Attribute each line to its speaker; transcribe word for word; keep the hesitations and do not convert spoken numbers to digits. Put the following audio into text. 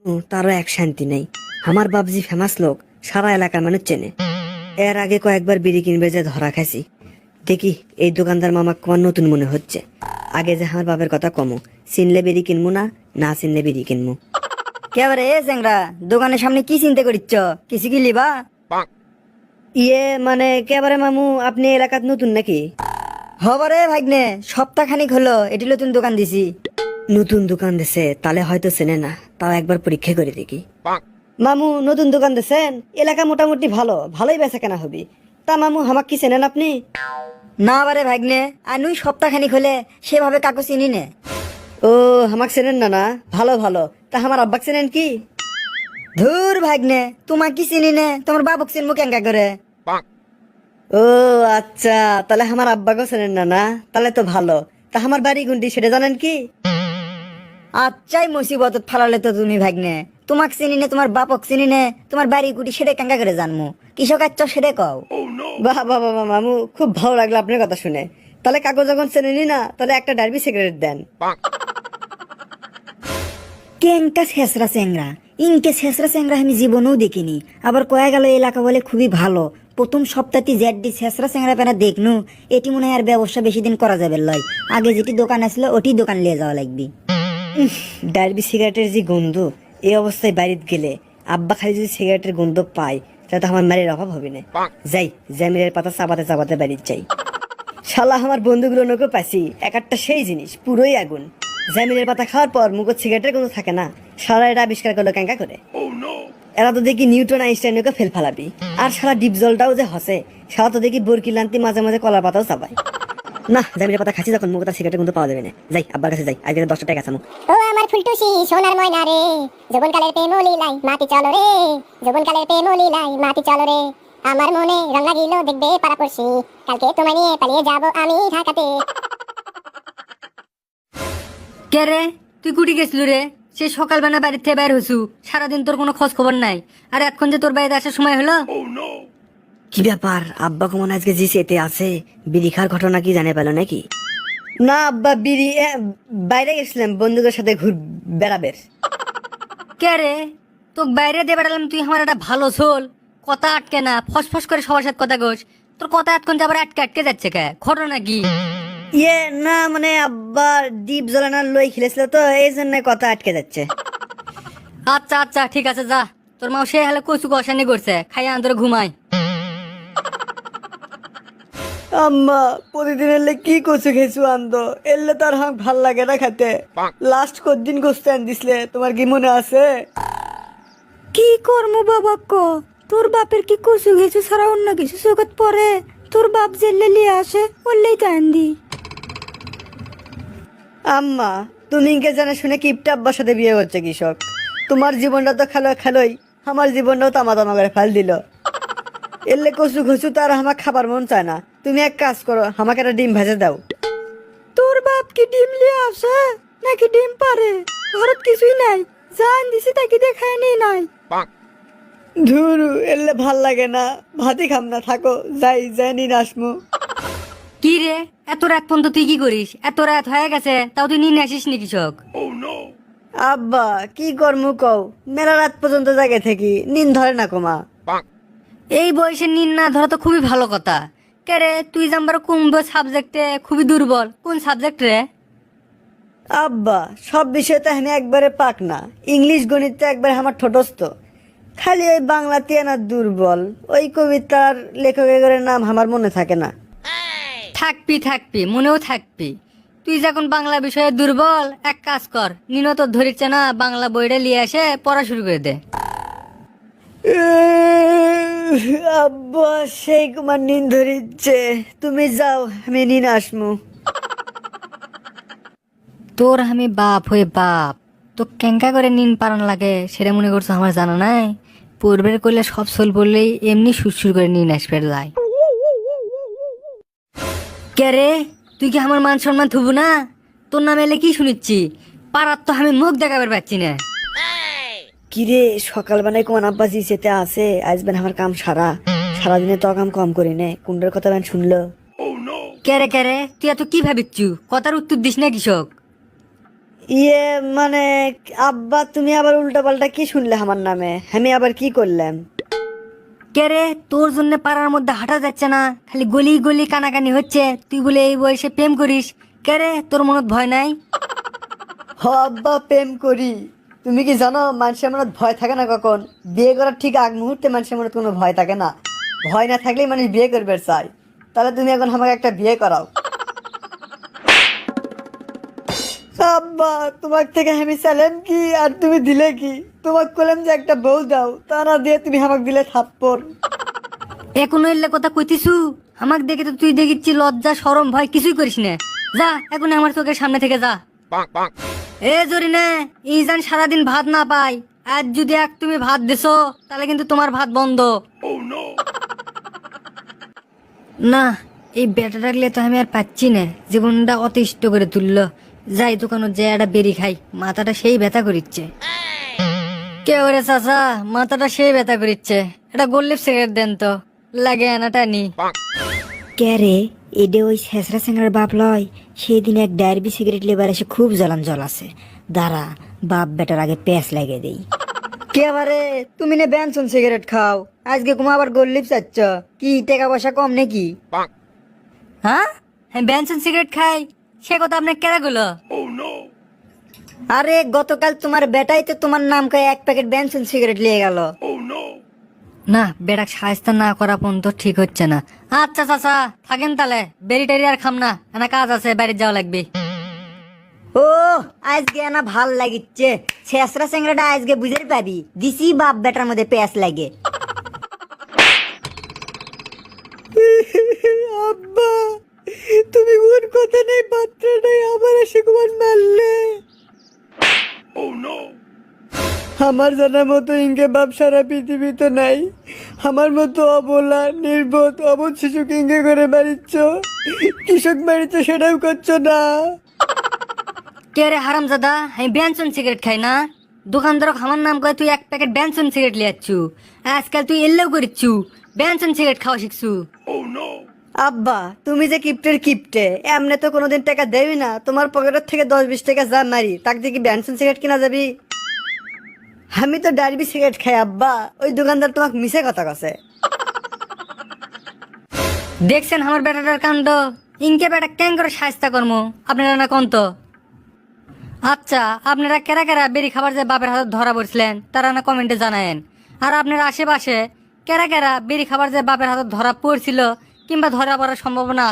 Speaker 1: তারও এক শান্তি নেই। আমার বাপজি ফেমাস লোক, সারা এলাকার মানুষ চেনে। এর আগে কয়েকবার বিড়ি কিনবে যে ধরা খাইছি। দেখি এই দোকানদার মামা তোমার নতুন মনে হচ্ছে। আগে যে আমার বাপের কথা কমো, চিনলে বিড়ি কিনবো না, না চিনলে বিড়ি কিনবো।
Speaker 2: কেবারে এ চ্যাংরা, দোকানের সামনে কি চিন্তা করিচ্ছ? কিছু কি লিবা?
Speaker 1: ইয়ে মানে কেবারে মামু, আপনি এলাকাত নতুন নাকি?
Speaker 2: হবারে ভাগ্নে, সপ্তাহ খানিক হলো এটি নতুন দোকান দিছি।
Speaker 1: নতুন দোকান দিছে, তাহলে হয়তো চেনে না। তাও একবার পরীক্ষা করে দেখি। মামু নতুন দোকান দিছেন, এলাকা মোটামুটি ভালো, ভালোই বেচা কেনা হবি। তা মামু আমাক কি চেনেন আপনি?
Speaker 2: না বারে ভাগ্নে, আনুই সপ্তাহ খানিক হলে সেভাবে কাকু চিনি নে।
Speaker 1: ও আমাক চেনেন না? না ভালো ভালো। তা আমার আব্বাক চেনেন কি?
Speaker 2: ধুর ভাগ্নে, তোমার কি চিনি নে, তোমার বাবুক চিনমু কেঙ্কা করে?
Speaker 1: ও আচ্ছা, তাহলে আমার আব্বাকেও চেনেন না? না তাহলে তো ভালো। তা আমার বাড়ি গুন্ডি সেটা জানেন কি?
Speaker 2: আচ্ছাই মুসিবত ফালালে তো তুমি ভাগ্নে। তোমাক চিনি নে, তোমার বাপক চিনি নে, তোমার বাড়ি কুটি সেটা কেঙ্কা করে জানমু? কৃষক আচ্ছ সেটা কও।
Speaker 1: বাহ বাহ বাহ মামু, খুব ভালো লাগলো আপনার কথা শুনে। তাহলে কাগজ যখন চেনেনি না, তাহলে একটা ডার্বি সিগারেট দেন।
Speaker 2: কেঙ্কা শেষরা চ্যাংরা, ইনকে শেষরা চ্যাংরা আমি জীবনেও দেখিনি। আবার কয়া গেল এলাকা বলে খুবই ভালো। প্রথম সপ্তাহটি জেডডি শেষরা চ্যাংরা পেনা দেখনু, এটি মনে হয় আর ব্যবসা বেশি দিন করা যাবে লয়। আগে যেটি দোকান আসলো ওটি দোকান নিয়ে যাওয়া লাগবে।
Speaker 1: ডার্বি সিগারেটের যে গন্ধ, এই অবস্থায় বাড়িতে গেলে আব্বা খালি যদি সিগারেটের গন্ধ পায়, তাহলে তো আমার মারের অভাব হবে না। যাই জ্যামিলের পাতা চাবাতে চাবাতে বাড়িতে যাই। শালা আমার বন্ধুগুলো নৌকো পাইছি, এক একটা সেই জিনিস পুরোই আগুন। জ্যামিলের পাতা খাওয়ার পর মুখ সিগারেটের গন্ধ থাকে না। সারা এটা আবিষ্কার করলো ক্যাঙ্কা করে। এরা তো দেখি নিউটন আইনস্টাইনকে ফেল ফালাবি। আর সারা ডিপ জলটাও যে হসে, সারা তো দেখি বরকি লান্তি মাঝে মাঝে কলার পাতাও চাবাই। না জ্যামিলের পাতা খাচ্ছি যখন, মুখ তার সিগারেটের গন্ধ পাওয়া যাবে না। যাই আব্বার কাছে যাই, আজকে দশটা টাকা আসামু।
Speaker 3: ও আমার ফুলটুসি সোনার ময়না রে, যৌবনকালের প্রেম লীলাই মাটি চলো রে, যৌবনকালের প্রেম লীলাই মাটি চলো রে। আমার মনে রং লাগিল দেখবে পাড়াপড়শি, কালকে তোমায় নিয়ে পালিয়ে যাব আমি ঢাকাতে।
Speaker 2: কে রে, তুই কুটি গেছিল রে? সে সকালবেলা বাড়ির থেকে বাইর হইছু, সারাদিন তোর কোনো খোঁজ খবর নাই। আর এখন যে তোর বাড়িতে আসার সময় হলো।
Speaker 1: কি ব্যাপার, আব্বা কেমন আজকে জি সেতে আছে? বিড়ি খাওয়ার ঘটনা কি জানে পেলো নাকি? না আব্বা, বিড়ি এ, বাইরে গেছিলাম বন্ধুদের সাথে ঘুর বেড়াবের।
Speaker 2: কে রে, তোকে বাইরে দিয়ে বেড়ালাম, তুই আমার একটা ভালো সোল, কথা আটকে না, ফসফস করে সবার সাথে কথা গোস। তোর কথা এতক্ষণ যে আবার আটকে আটকে যাচ্ছে কে, ঘটনা কি?
Speaker 1: ইয়ে না মানে আব্বা ডিপ জ্বলানোর লই খেলেছিল তো, এই জন্য কথা আটকে যাচ্ছে।
Speaker 2: আচ্ছা আচ্ছা ঠিক আছে, যা। তোর মা সে হলে কচু কষানি করছে, খাইয়া আন্তরে ঘুমাই।
Speaker 1: আম্মা প্রতিদিন এলে কি কচু খেয়েছু আনতো, এলে তার হাঁক ভাল লাগে না খেতে। লাস্ট কদিন গোস্ত আন দিসলে, তোমার কি মনে আছে?
Speaker 2: কি করমু বাবা ক, তোর বাপের কি কচু ঘেছু ছাড়া অন্য কিছু চোখত পরে? তোর বাপ জেলে লিয়ে আসে, বললেই তো আন্দি।
Speaker 1: আম্মা তুমি ইনকে জানা শুনে কিপটা আব্বার সাথে বিয়ে করছে কৃষক। তোমার জীবনটা তো খেলো খেলোই, আমার জীবনটাও তামা তামা করে ফেল দিল। এলে কচু ঘচু তার আমার খাবার মন চায় না। তুমি এক কাজ করো, আমাকে একটা ডিম ভেজে দাও।
Speaker 2: তোর বাপ কি ডিম লিয়ে আসে নাকি ডিম পারে? ঘরত কিছুই নাই, জান দিছি তাকে দেখায় নেই নাই।
Speaker 1: ধুরু এলে ভাল লাগে না, ভাতই খাম না, থাকো যাই যাই নিন আসমু।
Speaker 2: কি রে, এত রাত পর্যন্ত তুই কি করিস? এত রাত হয়ে গেছে তাও তুই নিয়ে আসিস নি কৃষক?
Speaker 1: আব্বা কি করমু কও, মেলা রাত পর্যন্ত জাগে থাকি, নিন ধরে না কমা।
Speaker 2: এই বয়সে নিন না ধরা তো খুবই ভালো কথা। কে রে, তুই জাম্বার কোন সাবজেক্টে খুবই দুর্বল? কোন সাবজেক্ট রে?
Speaker 1: আব্বা সব বিষয় তো এখানে একবারে পাক না, ইংলিশ গণিত একবারে আমার ঠোঁটস্থ। খালি ওই বাংলাতে না দুর্বল, ওই কবিতার লেখকের নাম আমার মনে থাকে না।
Speaker 2: থাকবি থাকবি, মনেও থাকবি। তুই যখন বাংলা বিষয়ে দুর্বল, এক কাজ কর, নিনো তোর ধরিচ্ছে না, বাংলা বইটা নিয়ে এসে পড়া শুরু করে দে।
Speaker 1: আব্বা সেই কুমার নিন ধরিচ্ছে, তুমি যাও আমি নিন আসমু।
Speaker 2: তোর আমি বাপ হয়ে বাপ, তো কেঙ্কা করে নিন পারান লাগে সেটা মনে করছো আমার জানা নাই? পূর্বের করলে সব সোল পড়লেই এমনি সুরসুর করে নিন আসবে যায়। কে রে, তুই কি আমার মান সম্মান থুবু না? তোর নামে এলে কি শুনিচ্ছি? পাড়ার তো আমি মুখ দেখাবার পাচ্ছি না।
Speaker 1: কিরে সকালবেলায় কোন আব্বা জি সেতে আছে, আজ বেন আমার কাম সারা সারাদিনে তো কাম কম করি নে, কুন্ডের কথা বেন শুনলো।
Speaker 2: কে রে কে রে, তুই এত কি ভাবিচ্ছু? কথার উত্তর দিস না কৃষক।
Speaker 1: ইয়ে মানে আব্বা তুমি আবার উল্টা পাল্টা কি শুনলে আমার নামে, আমি আবার কি করলাম?
Speaker 2: কে রে, তোর জন্য পাড়ার মধ্যে হাঁটা যাচ্ছে না, খালি গলি গলি কানাকানি হচ্ছে, তুই বলে এই বয়সে প্রেম করিস? কে রে, তোর মনত ভয় নাই?
Speaker 1: হ আব্বা, প্রেম করি। তুমি কি জানো মানুষের মনে ভয় থাকে না কখন? বিয়ে করার ঠিক আগ মুহূর্তে মানুষের মনে কোনো ভয় থাকে না। ভয় না থাকলেই মানুষ বিয়ে করবে চাই। তাহলে তুমি এখন আমাকে একটা বিয়ে করাও। আব্বা, তোমার থেকে আমি চাইলাম কি আর তুমি দিলে কি? তোমাকে বললাম যে একটা বউ দাও, তা না দিয়ে তুমি আমাকে দিলে থাপ্পড়।
Speaker 2: এখনো এলে কথা কইতিছু? আমাকে দেখে তো তুই দেখিচ্ছি লজ্জা শরম ভয় কিছুই করিস না। যা এখন আমার চোখের সামনে থেকে যা। এ জরিনা, এই জান সারাদিন ভাত না পাই, আজ যদি এক তুমি ভাত দিছো তাহলে কিন্তু তোমার ভাত বন্ধ। না, এই বেটা ডাকলে তো আমি আর পাচ্ছি না, জীবনটা অতিষ্ঠ করে তুললো। যাই দোকানে যে একটা বেরি খাই, মাথাটা সেই ব্যথা করিচ্ছে। কে ওরে চাচা, মাথাটা সেই ব্যথা করিচ্ছে, এটা গোল্লিপ সিগারেট দেন তো, লাগে আনাটা নি। কে রে, এডে ওই শেষরা সিংড়ার বাপ লয়? সেদিন এক ডায়ারবি সিগারেট লেবার এসে খুব জ্বলান জল আছে, দাঁড়া বাপ বেটার আগে প্যাঁচ লাগিয়ে দেই।
Speaker 1: কে আবারে, তুমি না বেনসন সিগারেট খাও, আজকে কুমা আবার গোল্লিপ চাচ্ছ? কি টাকা পয়সা কম নাকি?
Speaker 2: হ্যাঁ, আমি বেনসন সিগারেট খাই, সে কথা আপনার কেরা গুলো?
Speaker 1: আরে গতকাল তোমার বেটাই তো তোমার নাম কয়ে এক প্যাকেট বেনসন সিগারেট নিয়ে গেল।
Speaker 2: না, বেটা সাহায্য না করা পর্যন্ত ঠিক হচ্ছে না। আচ্ছা চাচা থাকেন তাহলে, বেরি টেরি আর খাম না, না কাজ আছে, বাড়ি যাওয়া লাগবে।
Speaker 1: ও আজকে না ভাল লাগিচ্ছে, শেষরা সিংড়াটা আজকে বুঝে পাবি, দিছি বাপ বেটার মধ্যে প্যাঁচ লাগে। আব্বা, তুমি কোন কথা নেই পাত্র নেই আবার এসে কুমার মারলে। আমার জানার মতো ইনকে বাপ সারা পৃথিবীতে নাই। আমার মতো অবলা নির্বোধ অবোধ শিশুকে ইঙ্গে করে মারিচ্ছ, কৃষক মারিচ্ছ সেটাও করছো না।
Speaker 2: কে রে হারাম দাদা, আমি বেনসন সিগারেট খাই না? দোকানদার আমার নাম করে তুই এক প্যাকেট বেনসন সিগারেট লিয়ে যাচ্ছু, আজকাল তুই এলেও করিচ্ছু, বেনসন সিগারেট খাওয়া শিখছু।
Speaker 1: আব্বা, তুমি যে কিপ্টের কিপ্টে, এমনি তো কোনোদিন টাকা দেবি না, তোমার পকেটের থেকে দশ বিশ টাকা যা মারি তাক দিয়ে কি বেনসন সিগারেট কিনা যাবি? আমি তো ডারবি সিগারেট খাই আব্বা, ওই দোকানদার তোমাকে মিশে কথা কছে।
Speaker 2: দেখছেন আমার বেটাটার কাণ্ড, ইনকে বেটা কেন করে সাহায্য কর্ম আপনারা না কন্ত? আচ্ছা, আপনারা কেরা কেরা বেরি খাবার যে বাপের হাতে ধরা পড়ছিলেন তারা না কমেন্টে জানায়েন। আর আপনার আশেপাশে কেরা কেরা বেরি খাবার যে বাপের হাতে ধরা পড়ছিল কিংবা ধরা পড়ার সম্ভাবনা